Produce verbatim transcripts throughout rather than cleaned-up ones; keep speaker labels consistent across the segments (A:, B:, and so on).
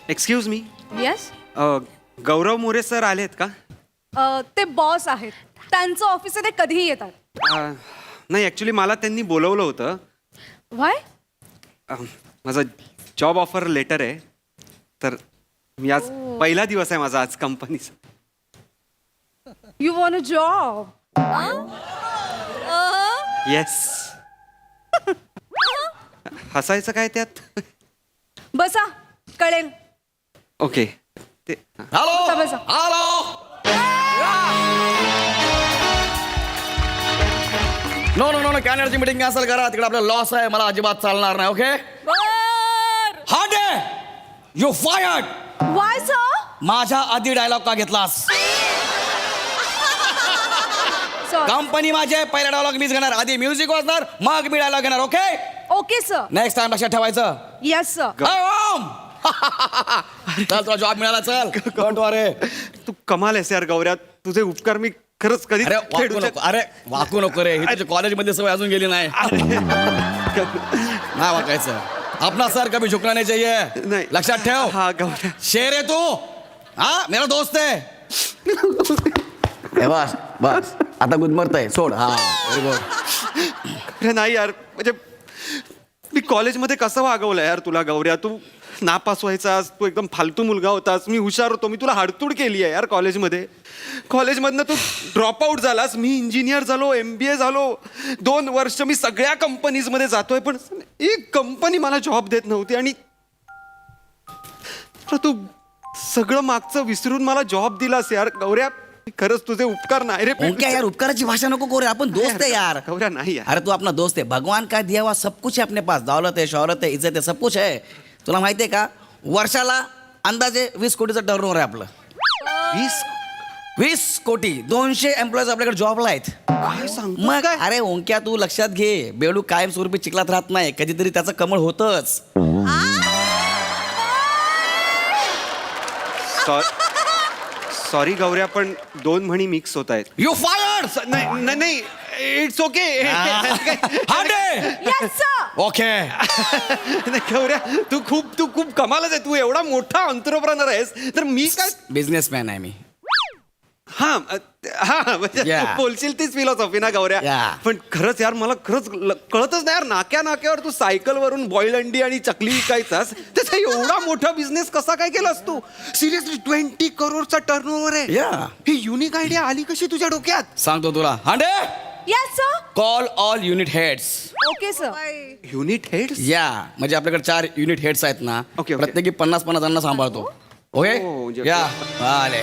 A: Excuse me
B: yes.
A: Gaurav More sir आलेत का?
B: ते बॉस आहेत, त्यांचं ऑफिस आहे, ते कधीही येतात.
A: अ, नाही ॲक्च्युली मला त्यांनी बोलवलं होतं.
B: व्हाय?
A: अ, माझं जॉब ऑफर लेटर आहे, तर मी आज पहिला दिवस आहे माझा आज कंपनीचा.
B: You want a job?
A: Yes. हसायचं काय त्यात?
B: बसा, कळेल.
A: ओके. ते
C: हॅलो
B: बसा, बसा.
C: Hello no no no no कॅनडची मीटिंग कॅन्सल करा. तिकडे आपला लॉस आहे, मला अजिबात चालणार नाही. ओके हा डे यू फायर्ड.
B: Why sir?
C: माझ्या आधी डायलॉग का घेतलास?
B: सर.
C: कंपनी माझी आहे, पहिला डायलॉग मीच घेणार. आधी म्युझिक वाजणार, मग मी डायलॉग घेणार. Okay
B: okay sir.
C: Next time लक्षात ठेवायचं.
B: Yes sir.
C: हाय ओम. चल तुला जॉब मिळाला. चल डोंट वरी.
A: तू कमाल आहेस यार गौऱ्या, तुझे उपकार मी खरंच कधी
C: अरे वाकू नको, अरे वाकू नको रे. ही तुझ्या कॉलेजमध्ये सवय अजून गेली नाही. नाही वाकायचं. अपना सर कभी झुकना नहीं चाहिए.
A: नाही.
C: लक्षात ठेव.
A: हा गौऱ्या.
C: शेर है तू. हा मेरा दोस्त है. ए बस बस आता गुदमरतय. सोड. हा व्हेरी गुड.
A: अरे नाही यार, म्हणजे मी कॉलेजमध्ये कसं वागवलं यार तुला गौऱ्या. तू नापास व्हायचास, तू एकदम फालतू मुलगा होतास, मी हुशार होतो, मी तुला हाडतूड केली आहे यार कॉलेजमध्ये. कॉलेजमधनं तू ड्रॉप आऊट झालास, मी इंजिनियर झालो, एम बी ए झालो, दोन वर्ष मी सगळ्या कंपनीजमध्ये जातोय, पण एक कंपनी मला जॉब देत नव्हती. आणि तू सगळं मागचं विसरून मला जॉब दिलास यार गौऱ्या. खरंच तुझे उपकार नाही रे.
C: ओंक्या यार उपकाराची भाषा नको करू. आपण दोस्त है यार.
A: गौऱ्या नाही यार.
C: अरे तू अपना दोस्त है. भगवान का दिया हुआ सब कुछ है अपने पास. दौलत है, शौहरत है, इज्जत है, सब कुछ है. तुला माहिती आहे का, वर्षाला अंदाजे वीस कोटीचं टर्नओव्हर आहे आपलं.
A: वीस
C: वीस कोटी. दोनशे एम्प्लॉईज आपल्याकडे जॉबला आहेत.
A: काय सांगतो
C: मग
A: काय?
C: अरे ओंक्या तू लक्षात घे, बेडू कायमस्वरूपी चिखलात राहत नाही, कधीतरी त्याचं कमळ होतच.
A: सॉरी गौऱ्या, पण दोन म्हणी मिक्स होत आहेत.
C: You fired.
A: नाही नाही, नाही it's okay.
B: Yes sir.
C: Okay
A: गौऱ्या तू खूप तू खूप कमालच आहे. तू एवढा मोठा एंटरप्रेनर आहेस, तर मी काय.
C: बिझनेसमॅन आहे मी.
A: हा हा म्हणजे
C: Yeah.
A: तू बोलशील तीच फिलॉसॉफी ना गौऱ्या.
C: Yeah.
A: पण खरंच यार मला खरंच ल- कळतच नाही यार, नाक्या नाक्यावर तू सायकल वरून बॉईल अंडी आणि चकली विकायचास, त्याचा एवढा मोठा बिझनेस कसा काय केलास तू? सिरियसली ट्वेंटी करोडचा टर्नओव्हर आहे.
C: Yeah.
A: ही युनिक आयडिया आली कशी तुझ्या डोक्यात?
C: सांगतो तुला. Hande
B: yes sir.
C: Call all unit heads.
B: Okay sir.
A: Unit heads?
C: या म्हणजे आपल्याकडे चार युनिट हेड्स आहेत ना.
A: Okay, okay.
C: प्रत्येकी पन्नास पन्नास जणांना सांभाळतो. ओके
A: Oh, म्हणजे-
C: या आले.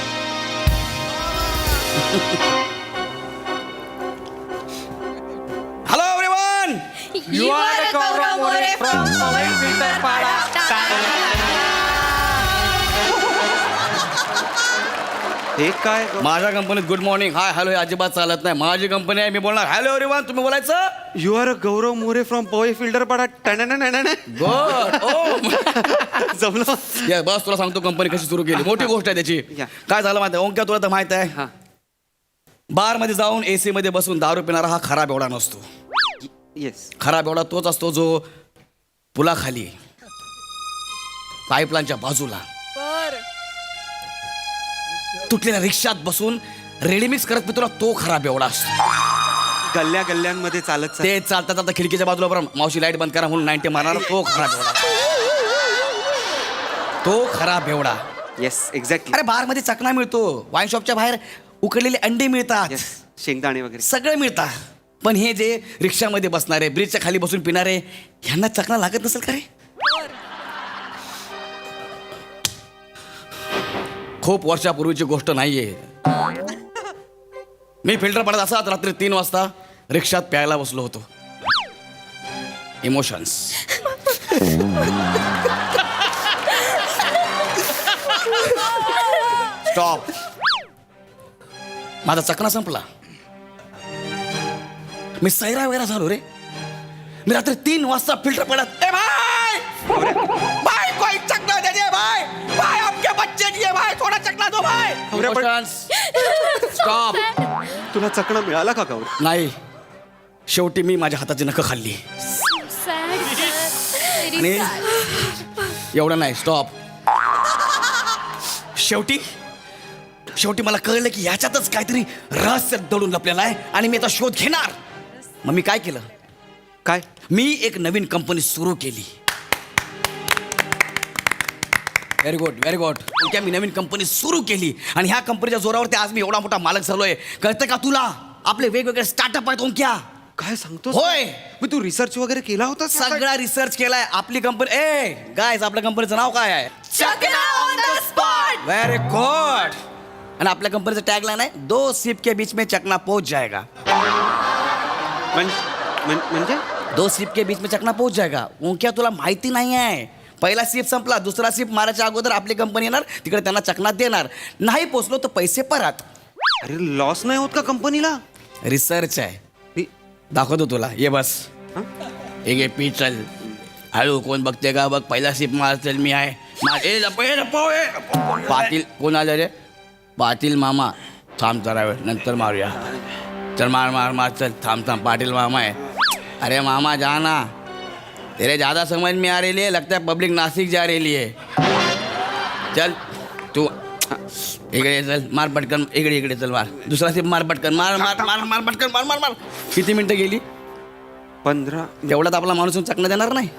C: Hello everyone.
B: You are a Gaurav More from Powai Filter Pada.
A: हे काय गौ-
C: माझ्या कंपनीत गुड मॉर्निंग हाय हॅलो हे अजिबात चालत नाही. माझी कंपनी आहे, मी बोलणार हॅलो एव्हरीवन, तुम्ही बोलायचं.
A: You are a Gaurav More from Powai Filter Pada.
C: Good. ओ
A: जमलं.
C: या बस तुला सांगतो कंपनी कशी सुरू केली. मोठी गोष्ट आहे त्याची.
A: या.
C: काय झालं माहिती आहे ओंक्या, तुला तर माहित आहे
A: हा
C: बार मध्ये जाऊन एसी मध्ये बसून दारू पिणारा हा खराब एवढा नसतो.
A: येस.
C: खराब एवढा तोच असतो जो पुलाखाली पाईपलाईनच्या बाजूला तुटलेल्या रिक्षात बसून रेडीमिक्स करत पितो ना, तो खराब एवढा असतो.
A: गल्ल्या गल्ल्यांमध्ये चालत चालत-
C: ते चालता चालता खिडकीच्या बाजूला बरं मावशी लाईट बंद करा म्हणून नाईन्टी मारणार, तो खराब एवढा. तो खराब एवढा.
A: Yes exactly.
C: अरे बार मध्ये चकना मिळतो, वाईन शॉपच्या बाहेर उकडलेले अंडे मिळतात,
A: येस शेंगदाणे वगैरे.
C: सगळे मिळतात. पण हे जे रिक्षामध्ये बसणारे, ब्रिजच्या खाली बसून पिणारे, ह्यांना चकना लागत नसेल का रे? खूप वर्षापूर्वीची गोष्ट नाहीये. मी फिल्टर पडत असाच रात्री तीन वाजता रिक्षात प्यायला बसलो होतो. इमोशन्स. स्टॉप. माझा चकना संपला. मी सैरा वगैरे झालो रे. मी रात्री तीन वाजता फिल्टर पडत, ए भाई भाई कोई चकना दे दे भाई, भाई आपके बच्चे दिए भाई, थोड़ा चकना दो भाई. स्टॉप.
A: तुला चकणा मिळाला का गौर?
C: नाही, शेवटी मी माझ्या हाताची नखं खाल्ली. आणि एवढं नाही, स्टॉप. शेवटी शेवटी मला कळलं की ह्याच्यातच काहीतरी रहस्य दडून लपलेलं आहे आणि मी आता शोध घेणार. मग मी काय केलं,
A: काय?
C: मी एक नवीन कंपनी सुरू केली. Very good very good. त्या मी नवीन कंपनी सुरू केली आणि ह्या कंपनीच्या जोरावरती आज मी एवढा मोठा मालक झालोय. कळतं का तुला? आपले वेगवेगळे स्टार्टअप आहेत ओंक्या.
A: काय सांगतो?
C: होय.
A: मग तू रिसर्च वगैरे केला होता?
C: सगळा रिसर्च केलाय. आपली कंपनी ए गायज आपल्या कंपनीचं नाव काय आहे?
B: Chakna on the spot.
C: Very good. आणि आपल्या कंपनीचं टॅगलाईन आहे दो सिप के बीच में चकना पोच जाएगा.
A: म्हण- म्हण- म्हणजे
C: दो सिप के बीच में चकना पोच जाएगा. ओंक्या तुला माहिती नाही आहे. पहिला सिप संपला, दुसरा सिप मारायच्या अगोदर आपली कंपनी येणार, तिकडे त्यांना चकना देणार. नाही पोचलो तर पैसे परत.
A: अरे लॉस नाही होत का कंपनीला?
C: रिसर्च आहे.
A: इ-
C: दाखवतो तुला. ये बस.
A: हं?
C: एक एक पी चल. हळू कोण बघते का बघ. पहिला सिप मार. चल मी आहे. मार. ए लपो ए लपो ए. पाटील कोण आलं रे? पाटील मामा. थांब जरा वेळ नंतर मारूया. चल मार मार मार. चल थांब थांब. पाटील मामा आहे. अरे मामा जा ना. तेरे ज़्यादा समझ में आ रही है, लगता है पब्लिक नासिक जा रही है. चल तू इकडे चल. मार पटकन. इकडे इकडे चल मार. दुसरा सिप मार पटकन. मार मार मार मार पटकन. मार मार मार. किती मिनिटं गेली?
A: पंधरा.
C: तेवढ्यात आपला माणूस चकणं देणार नाही.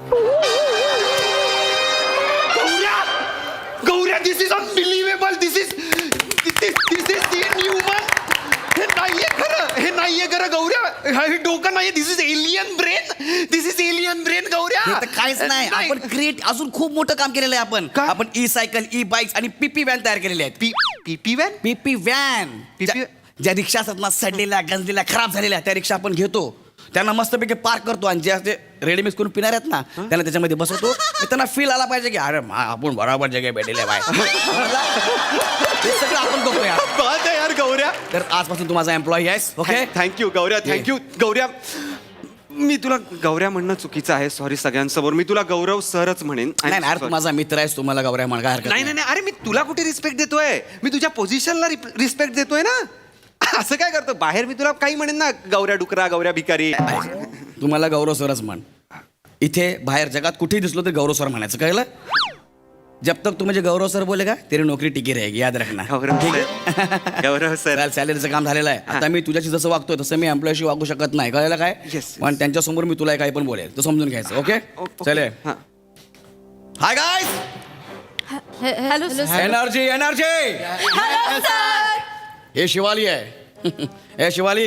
A: गौऱ्या गौऱ्या this is unbelievable. This is this is inhuman. हे नाहीये खरं. हे नाहीये खरं गौऱ्या. हे डोकं नाहीये. This is alien brain. This is alien brain गौऱ्या.
C: हे तर काहीच नाही. आपण क्रिएट अजून खूप मोठं काम केलेलं आहे. आपण
A: काय?
C: आपण ई सायकल, ई बाईक्स आणि पीपी व्हॅन तयार केलेले आहेत.
A: पी पीपी व्हॅन.
C: पीपी व्हॅन.
A: PP
C: ज्या रिक्षा असतात ना सडलेल्या, गंजलेल्या, खराब झालेल्या, त्या रिक्षा आपण घेतो. त्यांना मस्तपैकी पार्क करतो आणि जे असे रेडी मिक्स करून पिणार आहेत ना त्यांना त्याच्यामध्ये बसवतो. मग त्यांना फील आला पाहिजे की अरे मा, आपण बरोबर जगे भेटले बाय. हे सगळं आपण करतो यार.
A: बात आहे यार गौऱ्या.
C: तर आजपासून तू माझा एम्प्लॉई आहेस. ओके.
A: थँक्यू गौऱ्या. थँक्यू गौऱ्या. मी तुला गौऱ्या म्हणणं चुकीचं आहे. सॉरी सगळ्यांसमोर. मी तुला गौरव सरच म्हणेन.
C: नाही नाही, अरे तू माझा मित्र आहेस. तुम्हाला गौऱ्या म्हण काय हरकत
A: नाही नाही नाही. अरे मी तुला कुठे रिस्पेक्ट देतोय? मी तुझ्या पोझिशनला रिस्पेक्ट देतोय ना. असं काय करतो? बाहेर मी तुला काही म्हणेन ना, गौऱ्या डुकरा, गौऱ्या भिकारी.
C: तुम्हाला गौरव सरच म्हण. इथे बाहेर जगात कुठेही दिसलो तर गौरव सर म्हणायचं. कळलं? जब तक तू म्हणजे गौरव सर बोलेगा तेरी नोकरी टिकी रहेगी. याद रखना.
A: गौरव
C: ठीक
A: सर.
C: आहे.
A: गौरव सर.
C: सॅलरीचं काम झालेलं आहे. आता मी तुझ्याशी जसं वागतोय तसं मी एम्प्लॉयशी वागू शकत नाही. कळलं काय?
A: Yes,
C: पण त्यांच्यासमोर मी तुला काही पण बोलेल तर समजून घ्यायचं. Okay
A: okay.
C: चले.
A: हां.
C: Hi guys.
B: Hello sir.
C: Energy energy.
B: Hello sir.
C: हे शिवाली आहे. हे शिवाली.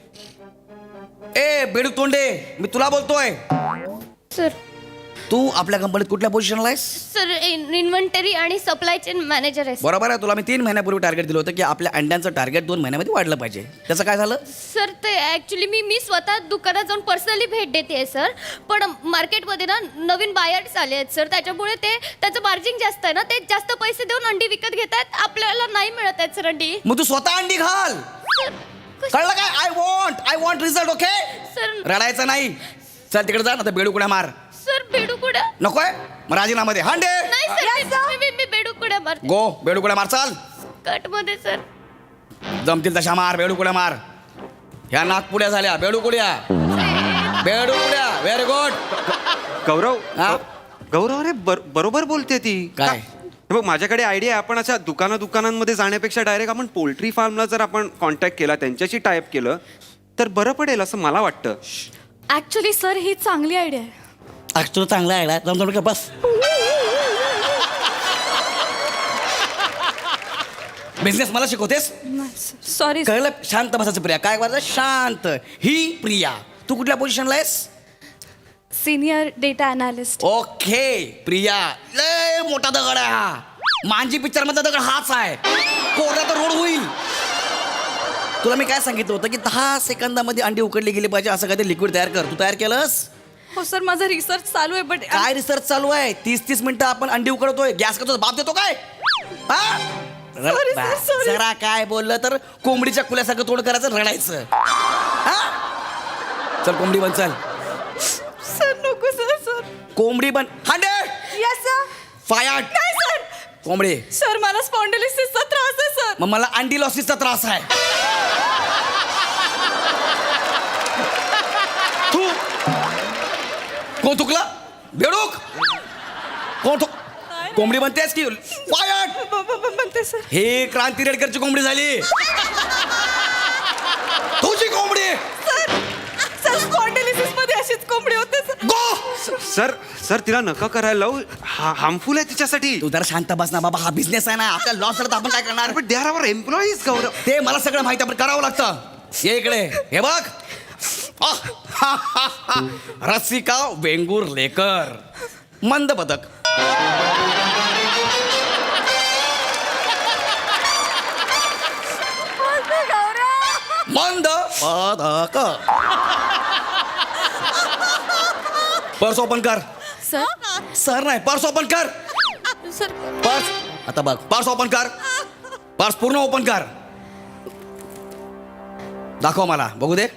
C: ए बेडू तोंडे मी तुला बोलतोय.
B: सर
C: तू आपल्या कंपनीत कुठल्या पोझिशनला आहेस?
B: सर इन्व्हेंटरी आणि सप्लाय चेन मॅनेजर आहे.
C: बरोबर आहे. तुला मी तीन महिन्यापूर्वी टार्गेट दिलं होतं की आपल्या अंड्यांचं टार्गेट दोन महिन्यामध्ये वाढलं पाहिजे. त्याचं काय झालं?
B: सर ते ॲक्च्युली मी मी स्वतः दुकानात जाऊन पर्सनली भेट देते सर. पण मार्केटमध्ये ना नवीन बायर्स आले आहेत सर. त्याच्यामुळे ते त्याचं मार्जिन जास्त आहे ना. ते जास्त पैसे देऊन अंडी विकत घेत आहेत. आपल्याला नाही मिळत आहेत सर अंडी.
C: मग तू स्वतः अंडी घाल.
B: सर कश-
C: कळलं काय? I want I want result. Okay.
B: Sir
C: रडायचं नाही. चल तिकडे जा ना तर बेडू कुड्या मार.
B: सर बेडू कुड्या
C: नकोय मग राजीनामा दे. हांडे
B: नाही सर. मी- मी- मी बेडू कुड्या मारते
C: गो. बेडू कुड्या मार. चाल.
B: कट मध्ये सर.
C: जमतील तशा मार. बेडू कुड्या मार. ह्या नागपुड्या झाल्या. बेडू कुड्या. बेडू कुड्या. Very good.
A: गौरव.
C: हा?
A: गौरव अरे बर- बरोबर बोलते ती.
C: काय?
A: का- हे बघ माझ्याकडे आयडिया आहे. आपण अशा दुकाना दुकानांमध्ये जाण्यापेक्षा डायरेक्ट आपण पोल्ट्री फार्मला जर आपण कॉन्टॅक्ट केला, त्यांच्याशी टाईप केलं तर बरं पडेल असं मला वाटतं.
D: ऍक्च्युली सर ही चांगली आयडिया आहे.
C: आज तुला चांगला आहे. जमतो का? बस. बिझनेस मला शिकवतेस?
D: सॉरी
C: कळलं? शांत बसायचं प्रिया. काय करायचं? शांत. ही प्रिया. तू कुठल्या पोझिशनला आहेस?
D: Senior data analyst.
C: Okay Priya. लय मोठा दगड आहे हा. मांजी पिक्चर मधला दगड हाच आहे. कोरडा तर रोड होईल. तुला मी काय सांगितलं होतं की दहा सेकंदामध्ये अंडी उकडली गेली पाहिजे असं काहीतरी लिक्विड तयार कर. तू तयार केलंस?
D: हो सर माझा रिसर्च चालू आहे. बट
C: काय रिसर्च चालू आहे? तीस तीस मिनिटं आपण अंडी उकडतोय. गॅस करतो बाप देतो काय? हा? र-
D: Sorry, sir,
C: बा-
D: sorry.
C: जरा काय बोललं तर कोंबडीच्या कुल्यासारखं तोंड करायचं, रडायचं. हा? चल कोंबडी बन. चल
D: सर नको सर. सर
C: कोंबडी बन. Hundred
D: yes sir.
C: फायर.
D: नाही सर.
C: कोंबडी.
D: सर मला स्पॉन्डिलिसिसचा त्रास आहे सर.
C: मग मला अंडी लॉसिसचा त्रास आहे. तू कोण थुकला? बेडूक. कोण थुक? कोंबडी म्हणतेस की फायर
D: ब- ब- ब- म्हणते सर
C: हे क्रांती रेडकरची कोंबडी झाली तुझी कोंबडी
D: सर स्पॉन्डिलिसिस मध्ये अशीच कोंबडी होते सर
C: गो
A: सर सर तिला नका करायला लावू हार्मफुल आहे तिच्यासाठी.
C: तू जरा शांत बस ना बाबा हा बिझनेस आहे ना आपला लॉस झाला तर आपण काय करणार
A: पण दे आर आवर एम्प्लॉईज गौरव.
C: ते मला सगळं माहिती आपण करावं लागतं ये इकडे हे बघ आह, हा, हा, हा. रसिका वेंगुर लेकर मंद पदक मंद पदक पर्स ओपन कर
D: सर
C: सर नाही पर्स ओपन कर
D: सर
C: पर्स आता बघ पर्स ओपन कर पर्स पूर्ण ओपन कर दाखव मला बघू दे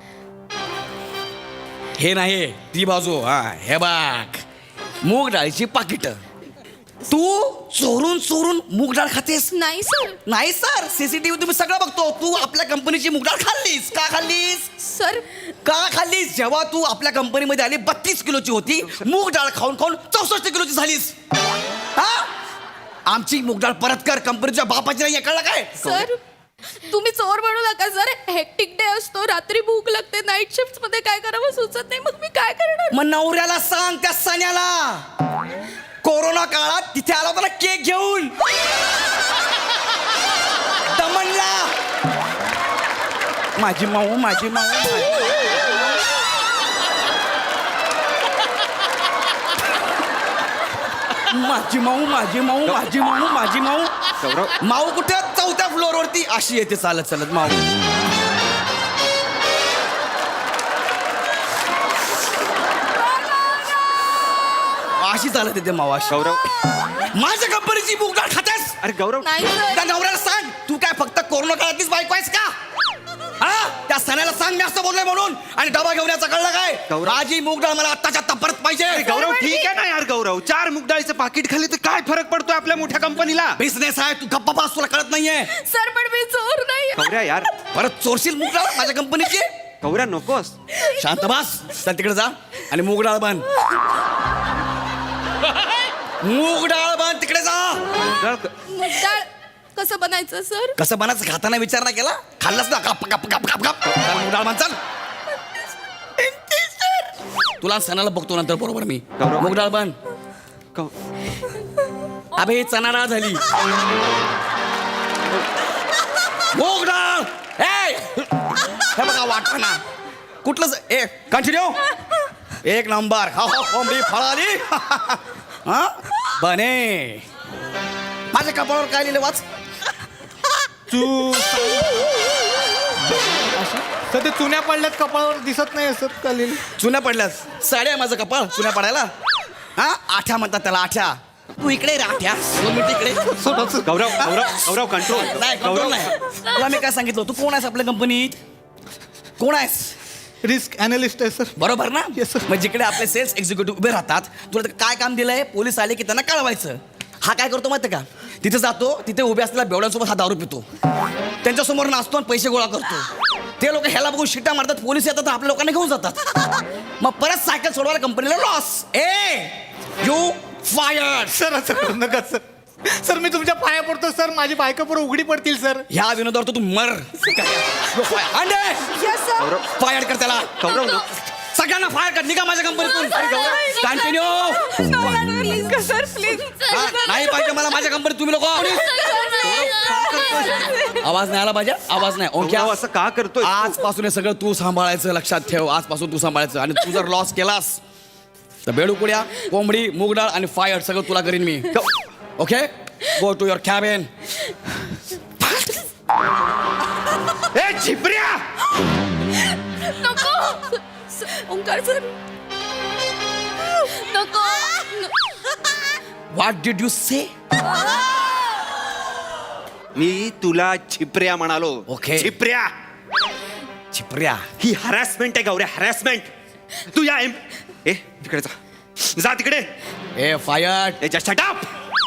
C: हे नाही ती बाजू हा हे बघ मूग डाळीची पाकिट तू चोरून चोरून मूग डाळ खातेस
D: नाही सर
C: नाही सर सीसीटीव्ही तुम्ही सगळं बघतो तू आपल्या कंपनीची मूग डाळ खाल्लीस का खाल्लीस
D: सर
C: का खाल्लीस जेव्हा तू आपल्या कंपनीमध्ये आली बत्तीस किलोची होती मूग डाळ खाऊन खाऊन चौसष्ट किलोची झालीस हा आमची मूग डाळ परत कर कंपनीच्या बापाची नाही कळलं काय
D: सर तुम्ही चोर म्हणू नका सर हेक्टिक डे असतो रात्री भूक लागते नाईट शिफ्ट मध्ये काय करावं सुचत नाही मग मी काय करणार
C: मग नवऱ्याला सांग त्या सण्याला कोरोना काळात तिथे आला होता ना केक घेऊन दमनला माझी माऊ माझी माऊ माझी- माझी माऊ माझी माऊ माझी माऊ माझी माऊ
A: गौरव
C: माऊ कुठे चौथ्या फ्लोअर वरती अशी येते चालत चालत माऊ अशी चालत येते माऊ अशी
A: गौरव
C: माझ्या कंपनीची मूग डाळ खातेस
A: अरे गौरव
D: नाही सर
C: त्या नवऱ्याला सांग तू काय फक्त कोरोना काळातलीच बायको आहेस का हा त्या सणाला सांग मी असं बोललोय म्हणून आणि डबा घेऊन याचा कळलं काय
A: गौरव.
C: माझी मूग डाळ मला आत्ताच्या आत्ता परत पाहिजे
A: गौरव ठीक आहे ना यार गौरव चार मूग डाळीचं पाकिट खाली तर काय फरक पडतोय आपल्या मोठ्या कंपनीला.
C: बिझनेस आहे तू गप्पा पास तुला कळत नाहीये
D: सर पण मी चोर नाही
A: गौऱ्या यार
C: परत चोरशील मूग डाळ माझ्या कंपनीची
A: गौऱ्या नकोस.
C: शांत बस चल तिकडे जा आणि मूग डाळ बांध मूग डाळ बांध तिकडे जा
A: मूग डाळ क-
D: मुद्दाळ कसं बनायचं सर
C: कसं बनायचं खाताना विचार नाही केला खाल्लास ना गप गप गप गप गप चल मूग डाळ बांध चल तुला सणाला बघतो नंतर बरोबर मी
A: गौरव.
C: मूग डाळ बांध
A: गौ-
C: अबे ही चना डाळ झाली मूग डाळ ए हे बघा वाटाणा कुठलंच ए कंटिन्यू एक नंबर हा हा कोंबडी फळाली हा बने माझ्या कपाळावर काय लिहिलं वाच
E: चू सध्या चुन्या पडल्यात कपाळावर दिसत नाही असं चालेल.
C: चुन्या पडल्यास साड्या माझं कपाळ चुन्या पडायला हा आठ्या म्हणतात त्याला आठ्या तू इकडे रे आठ्या दोन मिनिट इकडे
A: गौरव गौरव गौरव कंट्रोल
C: नाही कंट्रोल नाही तुला मी काय सांगितलं तू कोण आहेस आपल्या कंपनीत कोण आहेस
E: रिस्क अनालिस्ट आहे सर.
C: बरोबर ना
E: Yes, sir.
C: मग जिकडे आपले सेल्स एक्झिक्युटिव्ह उभे राहतात तुला ते काय काम दिलंय पोलीस आले की त्यांना कळवायचं हा काय करतो माहिती का तिथे जातो तिथे उभे असलेल्या बेवड्यांसोबत हा दारू पितो त्यांच्यासमोर नाचतो आणि पैसे गोळा करतो ते लोक ह्याला बघून शिट्ट्या मारतात पोलीस येतात आपल्या लोकांना घेऊन जातात मग परत सायकल सोडवायला कंपनीला लॉस ए यू फायर
E: सर असं करू नका सर सर मी तुमच्या पाया पडतो सर माझी बायका पुढे उघडी पडतील सर.
C: ह्या विनोदावर तर तू मर फायर कर त्याला
A: गौरव न-
C: सगळ्यांना फायर कर निघा माझ्या कंपनीतून कंटिन्यू
D: सर प्लीज
C: नाही पाहिजे मला माझ्या कंपनीत तुम्ही लोक आवाज नाही आला पाहिजे आवाज नाही ओके
A: गौरव असं का करतोय
C: आजपासून हे सगळं तू सांभाळायचं लक्षात ठेव आजपासून तू सांभाळायचं आणि तू जर लॉस केलास तर बेडूकुड्या कोंबडी मूग डाळ आणि फायर सगळं तुला करीन मी okay go to your cabin
A: ए झिपऱ्या
D: नको ओंकार सर नको
C: व्हॉट डिड यू से
A: मी तुला झिपऱ्या म्हणालो.
C: Okay.
A: झिपऱ्या
C: छिपऱ्या
A: ही हॅरॅसमेंट आहे गौऱ्या हॅरॅसमेंट. तू या एम ए तिकडे जा जा तिकडे
C: ए फायर
A: ए जस्ट शट अप.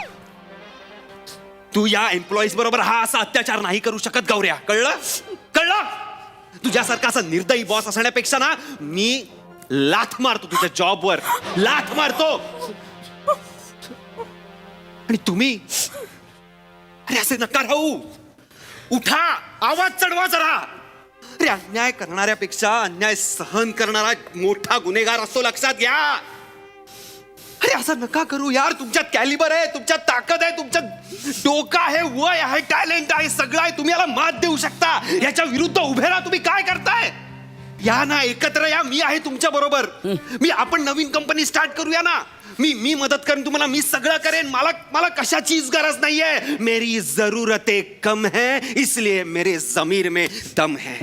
A: तू या एम्प्लॉईज बरोबर हा असा अत्याचार नाही करू शकत गौऱ्या कळलं कळलं तुझ्यासारखा असा निर्दयी बॉस असण्यापेक्षा ना मी लाथ मारतो तुझ्या जॉबवर लाथ मारतो. आणि तुम्ही अरे असे नका राहू. उठा, आवाज चढवा जरा. अरे अन्याय करणाऱ्यापेक्षा अन्याय सहन करणारा मोठा गुन्हेगार असतो, लक्षात घ्या. अरे असं नका करू यार. तुमच्यात कॅलिबर आहे, तुमच्यात ताकद आहे, तुमच्यात डोकं आहे, वय आहे, टॅलेंट आहे, सगळं आहे. तुम्ही याला मात देऊ शकता. याच्या विरुद्ध उभे राहा. तुम्ही काय करताय? या ना, एकत्र या. मी आहे तुमच्या बरोबर. मी आपण नवीन कंपनी स्टार्ट करूया ना. मी मी मदत करेन तुम्हाला. मी सगळं करेन. मला मला कशाचीच गरज नाहीये. मेरी जरूरतें कम है, इसलिए मेरे जमीर में दम है.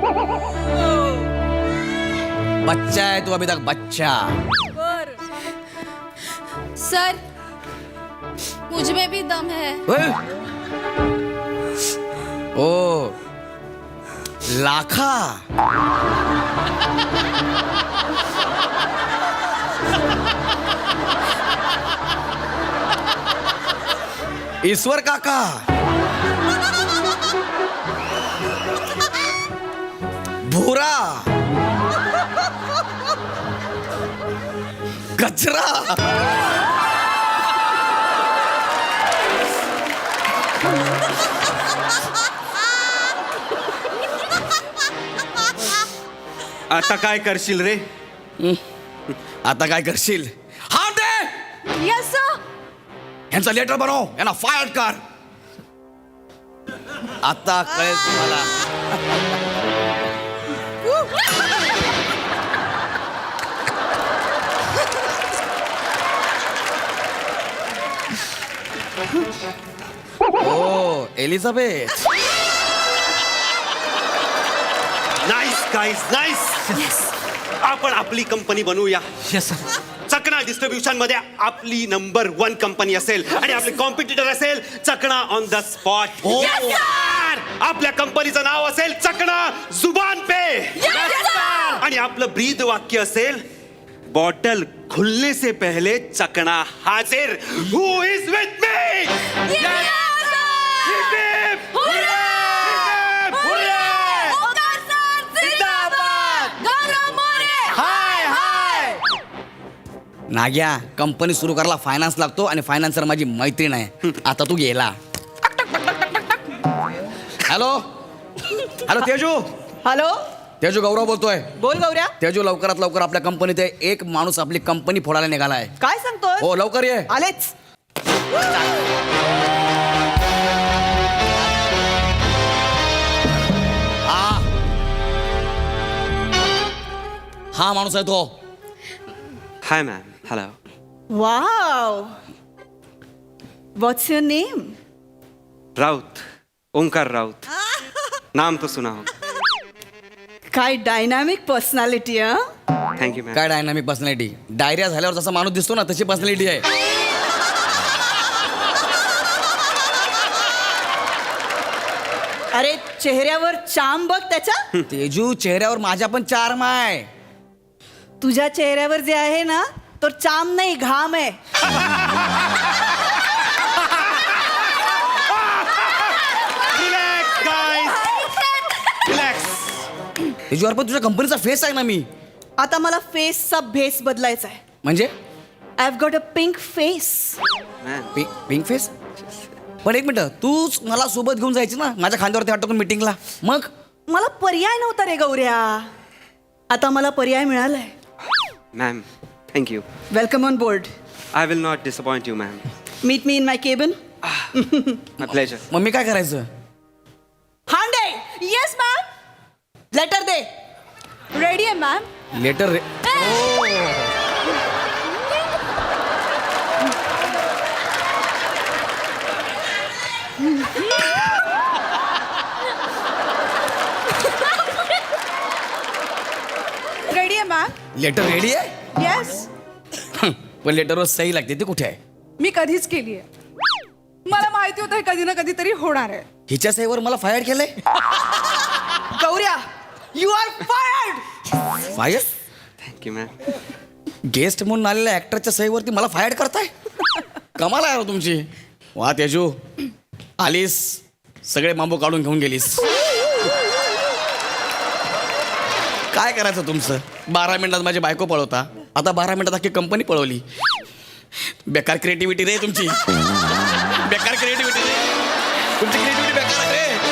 C: बच्चा है तू अभी तक, बच्चा.
D: सर मुझ में भी दम है.
C: ओए. ओ लाखा. ईश्वर काका. भूरा. कचरा.
A: आता काय करशील रे?
C: आता काय करशील? हा दे.
D: Yes sir.
C: यांचा लेटर बनव, यांना फायर कर. आता कळेल तुम्हाला. Oh Elizabeth.
A: Nice guys, nice. आपण आपली कंपनी बनवूया. चकना डिस्ट्रीब्युशन मध्ये आपली नंबर वन कंपनी असेल आणि आपले कॉम्पिटिटर असेल चकना ऑन द स्पॉट. आपल्या कंपनीचं नाव असेल चकना जुबान पे. आणि आपलं ब्रीद वाक्य असेल बॉटल खुलने से पहले चकना हाजिर. Who is with me?
C: Nagya, company सुरू करायला फायनान्स लागतो आणि फायनान्सर माझी मैत्रीण आहे. आता तू गेला. Hello hello Teju.
F: Hello,
C: Teju Gaurav बोलतोय.
F: बोल गौऱ्या.
C: तेजू लवकरात लवकर आपल्या कंपनीत आहे. एक माणूस आपली कंपनी फोडायला निघालाय.
F: काय सांगतोय?
C: हो लवकर ये.
F: आलेच.
C: हा हा माणूस आहे तो.
A: Hi ma'am. Hello.
F: Wow, what's your name?
A: Raut, Omkar Raut. नाम तो सुना हो.
F: काय डायनामिक पर्सनॅलिटी. हा,
A: थँक्यू मॅम.
C: काय डायनामिक पर्सनॅलिटी. डायरिया झाल्यावर जसा माणूस दिसतो ना तशी पर्सनॅलिटी आहे.
F: अरे चेहऱ्यावर चाम बघ त्याच्या.
C: तेजू चेहऱ्यावर माझ्या पण चार्म आहे.
F: तुझ्या चेहऱ्यावर जे आहे ना तो चाम नाही, घाम आहे.
A: रिलॅक्स गाईस, रिलॅक्स.
C: तेजू अरे पण तुझ्या कंपनीचा फेस आहे ना मी.
F: आता मला फेसचा भेस बदलायचा आहे.
C: म्हणजे
F: I have got a pink face.
A: Ma'am
C: pink pink face. पण एक मिनिट, तूच मला सोबत घेऊन जायची ना माझ्या खांद्यावरती हात टाकून मीटिंगला. मग
F: मला पर्याय नव्हता रे गौऱ्या. आता मला पर्याय मिळालाय.
A: Ma'am thank you.
F: Welcome on board.
A: I will not disappoint you ma'am.
F: Meet me in my cabin.
A: My pleasure.
C: मग मी काय करायचं?
F: हांडे. Yes ma'am. लेटर दे.
D: रेडी आहे मॅम.
C: लेटर रे.
D: रेडी आहे मॅम.
C: लेटर रेडी आहे.
D: येस.
C: पण लेटरवर सही लागते, ती कुठे आहे?
D: मी कधीच केली आहे. मला माहिती होतं हे कधी ना कधीतरी होणार आहे.
C: हिच्या सहीवर मला फायर केलंय.
F: Gaurya, you are fired.
C: Fire?
A: Thank you ma'am.
C: Guest म्हणून आलेल्या ऍक्टरच्या सहीवरती मला फायर करताय? कमाल आहे हो तुमची. वा तेजू, आलीस सगळे बांबू काढून घेऊन गेलीस. काय करायचं तुमचं? बारा मिनिटात माझी बायको पळवता, आता बारा मिनिटात अख्खी कंपनी पळवली. बेकार क्रिएटिव्हिटी रे तुमची बेकार क्रिएटिव्हिटी रे तुमची क्रिएटिव्हिटी बेकार आहे रे